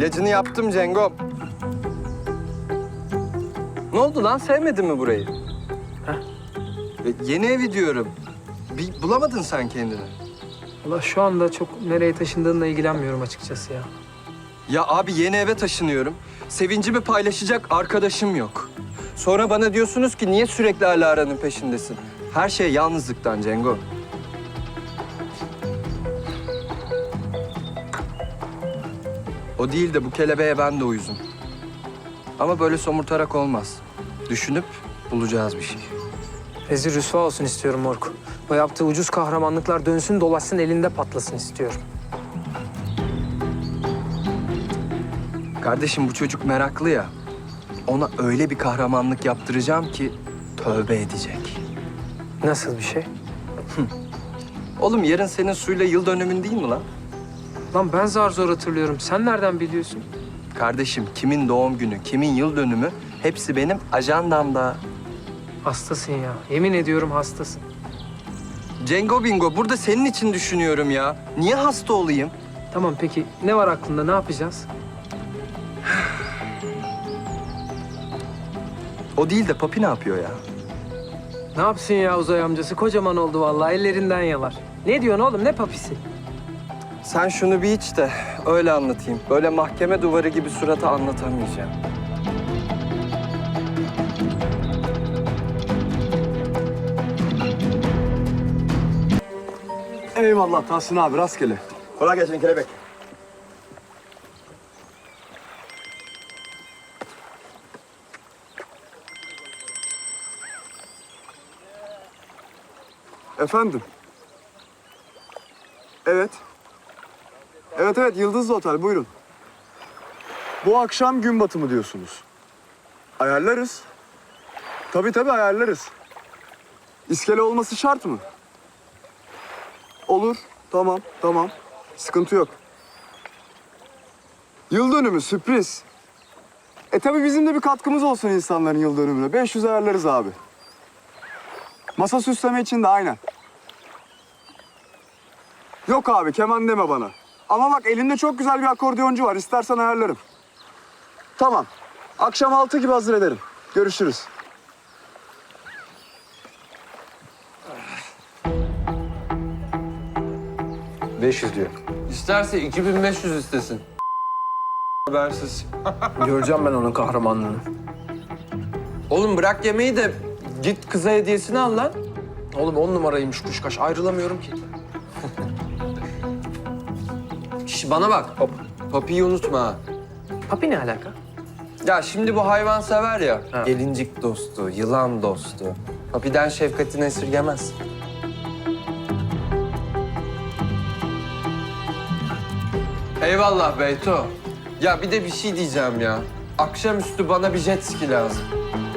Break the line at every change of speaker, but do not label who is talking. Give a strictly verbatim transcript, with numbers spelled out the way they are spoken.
İlacını yaptım Cengo. Ne oldu lan? Sevmedin mi burayı?
Heh.
E, yeni evi diyorum. Bir bulamadın sen kendini.
Valla şu anda çok nereye taşındığınla ilgilenmiyorum açıkçası ya.
Ya abi yeni eve taşınıyorum. Sevincimi paylaşacak arkadaşım yok. Sonra bana diyorsunuz ki niye sürekli Alara'nın peşindesin? Her şey yalnızlıktan Cengo. O değil de bu kelebeğe ben de uyuzum. Ama böyle somurtarak olmaz. Düşünüp bulacağız bir şey.
Rezil rüsva olsun istiyorum Moruk. O yaptığı ucuz kahramanlıklar dönsün dolaşsın elinde patlasın istiyorum.
Kardeşim bu çocuk meraklı ya. Ona öyle bir kahramanlık yaptıracağım ki tövbe edecek.
Nasıl bir şey?
Oğlum yarın senin suyla yıl dönümün değil mi lan?
Lan ben zar zor hatırlıyorum. Sen nereden biliyorsun?
Kardeşim kimin doğum günü, kimin yıl dönümü hepsi benim ajandamda.
Hastasın ya. Yemin ediyorum hastasın.
Cengo Bingo burada senin için düşünüyorum ya. Niye hasta olayım?
Tamam peki ne var aklında? Ne yapacağız?
O değil de Papi ne yapıyor ya?
Ne yapsın ya Uzay amcası? Kocaman oldu vallahi. Ellerinden yalar. Ne diyorsun oğlum? Ne papisi?
Sen şunu bir iç de öyle anlatayım. Böyle mahkeme duvarı gibi surata anlatamayacağım.
Eyvallah Tahsin abi, rastgele.
Kolay gelsin kelebek.
Efendim? Evet. Evet evet, Yıldızlı Otel, buyurun. Bu akşam gün batımı diyorsunuz. Ayarlarız. Tabii tabii ayarlarız. İskele olması şart mı? Olur, tamam, tamam. Sıkıntı yok. Yıl dönümü, sürpriz. E tabii bizim de bir katkımız olsun insanların yıl dönümüne. beş yüz ayarlarız abi. Masa süsleme için de aynen. Yok abi, keman deme bana. Ama bak elinde çok güzel bir akordiyoncu var. İstersen ayarlarım. Tamam. Akşam altı gibi hazır ederim. Görüşürüz.
beş yüz diyor. İsterse iki bin beş yüz istesin. Habersiz.
Göreceğim ben onun kahramanlığını.
Oğlum bırak yemeği de git kıza hediyesini al lan.
Oğlum on numaraymış kuşkaş. Ayrılamıyorum ki.
Şş, bana bak. Hop. Papiyi unutma ha.
Papi ne alaka?
Ya şimdi bu hayvan sever ya.
Ha.
Gelincik dostu, yılan dostu. Papiden şefkatini esirgemez. Eyvallah Beyto. Ya bir de bir şey diyeceğim ya. Akşamüstü bana bir jet ski lazım.